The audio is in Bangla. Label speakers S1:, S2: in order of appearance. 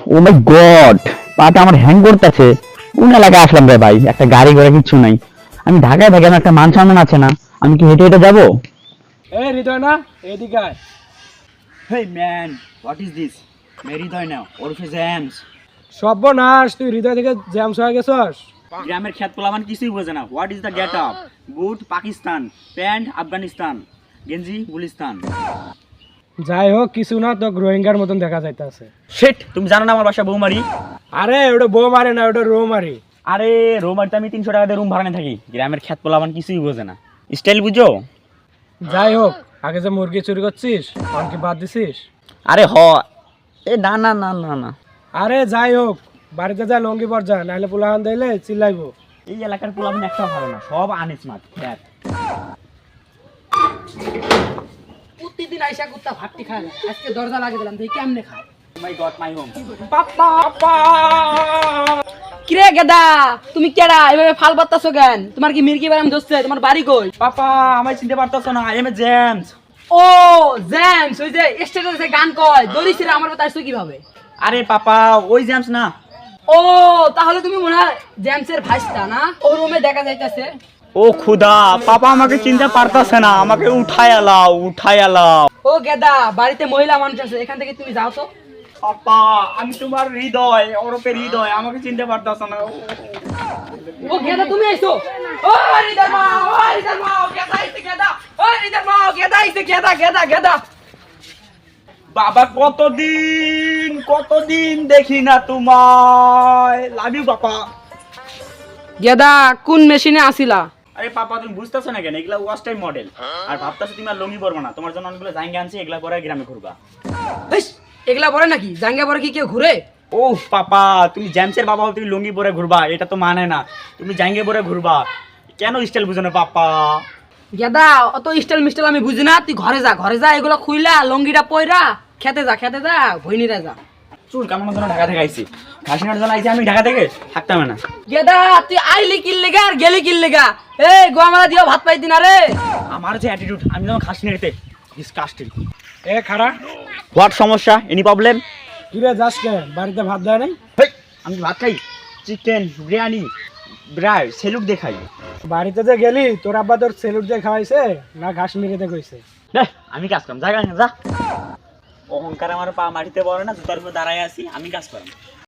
S1: ও মাই গড, পাটা আমার হ্যাং করতেছে। কোন এলাকায় আসলাম রে ভাই, একটা গাড়ি ঘোড়া কিচ্ছু নাই। আমি ঢাকায় থাকি, আমার একটা মান সম্মান আছে না? আমি কি হেঁটে হেঁটে যাবো?
S2: এই হৃদয় না, এদিকে আয়।
S1: Hey man, what is this? Hriday না, ওরফে জ্যামস।
S2: সর্বনাশ, তুই হৃদয় থেকে জ্যামস হয়ে গেছস।
S1: গ্রামের খেত পোলামান কিছুই বোঝে না। What is the get up? Boot Pakistan, pant Afghanistan, গেঞ্জি গুলিস্তান।
S2: যাই হোক, কিছু না, তো রোহিঙ্গার মতন দেখা যাইতেছে।
S1: শেট, তুমি জানো না আমার বাসা বৌমারি?
S2: আরে ওটা বউ মারে না, ওটা রো মারি।
S1: আরে রোমারিতে আমি 300 টাকা দিয়ে রুম ভাড়া নিয়ে থাকি। গ্রামের খেত পোলামান কিছুই বোঝে না। স্টাইল বুঝো?
S2: যাই হোক, আগে যে মুরগি চুরি করছিস তখন কি বাদ দিছিস?
S1: আরে এ না না না না না,
S2: আরে যাই হোক, বাড়িতে যা লঙ্গি পর যা, নাহলে পোলাহান দিলে চিল্লাইবো।
S1: এই এলাকার পোলাপান একটা ভালো না, সব আনস্মার্ট খ্যাত।
S3: প্রতিদিন আইসা কুত্তা ভাতটি খায় না, আজকে দরজা লাগিয়ে দিলাম, দেখি কেমনে খায়।
S1: My god, my home.
S3: কিরে গেদা, তুমি কেডা এভাবে ফাল পাত্তাছো কেন? তোমার কি মির্কি বারাম দোস্ত? তোমার বাড়ি কই?
S1: পাপা আমায় চিনতে পারতাছো না? I am a James.
S3: ও জেমস, ওই যে স্টেটাসে গান কয় দড়িছিরা, আমার কথা আসছো কিভাবে?
S1: আরে পাপা, ওই জেমস না।
S3: ও তাহলে তুমি মনে হয় জেমসের ভাইস্তা না? ও রুমে দেখা যাইতাছে।
S1: ও খুদা, পাপা আমাকে চিনতে পারতাছে না, আমাকে উঠায় আলাও, উঠায় আলাও।
S3: ও গেদা, বাড়িতে মহিলা মানুষ আছে, এখান থেকে তুমি যাও তো।
S1: পাপা আমি তোমার হৃদয়, ওরফে হৃদয়, আমাকে চিনতে পারতাছ না।
S3: ও গেদা, তুমি আইছো? ও হৃদয় মা, ও হৃদয় মা, গেদা আইছে গেদা। ও হৃদয় মা, গেদা আইছে, গেদা গেদা গেদা।
S1: বাবা কতদিন দেখি না তোমায়। Love you papa.
S3: গেদা কোন মেশিনে আসিলা?
S1: আরে পাপা তুমি বুঝতেছো না কেন? এগুলা ওয়াশ টাইম মডেল। আর ভাবতাছো তুমি আর লঙ্গি পরবা না, তোমার জন্য অনেকগুলো জাঙ্গা আনছি, এগুলা পরে গ্রামে ঘুরবা।
S3: ইস, এগুলা পরে নাকি? জাঙ্গা পরে কি কেউ ঘুরে?
S1: ও পাপা, তুমি জেমসের বাবা হও, তুমি লুঙ্গি পরে ঘুরবা? এটা তো মানে না। তুমি জাঙ্গে পরে ঘুরবা, কেন স্টাইল বুঝো না পাপা?
S3: গেদা অত স্টাইল মিস্টাইল আমি বুঝি না, তুই ঘরে যা, ঘরে যা, এগুলো খুইলা লঙ্গিটা পয়রা খেতে যা, খেতে যা, ভইনিরা যা।
S1: চুল কামানোর জন্য ঢাকা থেকে আইছি, ঘাসিনার জন্য আইছি, আমি ঢাকা থেকে থাকতাম না।
S3: গেদা তুই আইলি কিল্লেগা আর গেলি কিল্লেগা? এই গোয়ামালা দিও ভাত পাইতি না রে?
S1: আমার যে অ্যাটিটিউড, আমি যখন ঘাসিনারিতে ডিসকাস্টিং।
S2: এ খারা,
S1: হোয়াট সমস্যা? Any problem?
S2: কিরে যাস কে? বাড়িতে ভাত দেয় নাই?
S1: আমি ভাত খাই, চিকেন বিরিয়ানি, ব্রাই সেলুক দেখাই।
S2: বাড়িতে যে গেলি, তোর আব্বা তোর সেলুট দিয়ে খাওয়াইছে না ঘাস মেরেতে কইছে?
S1: আমি কাজ করাম, জায়গা যা। অহংকার আমার পা মাটিতে পড়ে না, জুতার উপর দাঁড়ায় আছি, আমি কাজ করাম।